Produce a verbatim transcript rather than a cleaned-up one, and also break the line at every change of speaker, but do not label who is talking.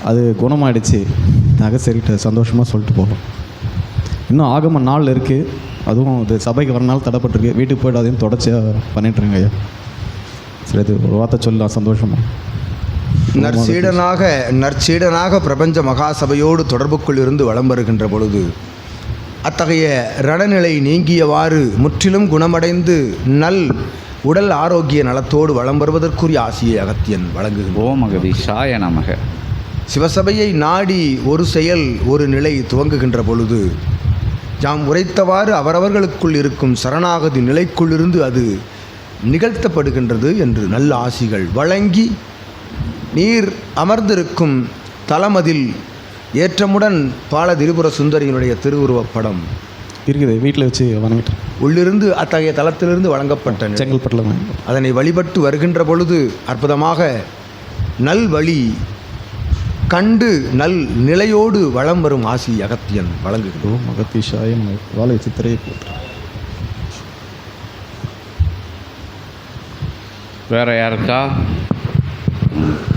அது குணமாயிடுச்சு. நகை சரிகிட்ட சந்தோஷமாக சொல்லிட்டு போகும். இன்னும் ஆகம நாள் இருக்குது. அதுவும் இது சபைக்கு வரனால தடைப்பட்டிருக்கு. வீட்டுக்கு போய்ட்டு அதையும் தொடர்ச்சியாக பண்ணிட்டுருங்க ஐயா. சரி, இது ஒரு வார்த்தை சொல்லலாம் சந்தோஷமாக.
நற்சீடனாக நற்சீடனாக பிரபஞ்ச மகாசபையோடு தொடர்புக்குள் இருந்து வலம் வருகின்ற பொழுது அத்தகைய ரணநிலை நீங்கியவாறு முற்றிலும் குணமடைந்து நல் உடல் ஆரோக்கிய நலத்தோடு வலம் வருவதற்குரிய ஆசியை அகத்தியன் வழங்குகின்றார்.
ஓம் அகதீஷாய நமக.
சிவசபையை நாடி ஒரு செயல் ஒரு நிலை துவங்குகின்ற பொழுது யாம் உரைத்தவாறு அவரவர்களுக்குள் இருக்கும் சரணாகதி நிலைக்குள்ளிருந்து அது நிகழ்த்தப்படுகின்றது என்று நல்ல ஆசிகள் வழங்கி நீர் அமர்ந்திருக்கும் தலமதில் ஏற்றமுடன் பால திரிபுர சுந்தரியினுடைய திருவுருவப் படம்
இருக்குது. வீட்டில் வச்சு வணங்கிட்டு
உள்ளிருந்து அத்தகைய தலத்திலிருந்து வழங்கப்பட்ட
செங்கல்பட்டில் தான்
அதனை வழிபட்டு வருகின்ற பொழுது அற்புதமாக நல் வழி கண்டு நல் நிலையோடு வளம் வரும் ஆசி அகத்தியன் வழங்குகிறோம்.
அகத்தீஷாய வாழை சித்திரையை போட்டு.
வேற யாருக்கா?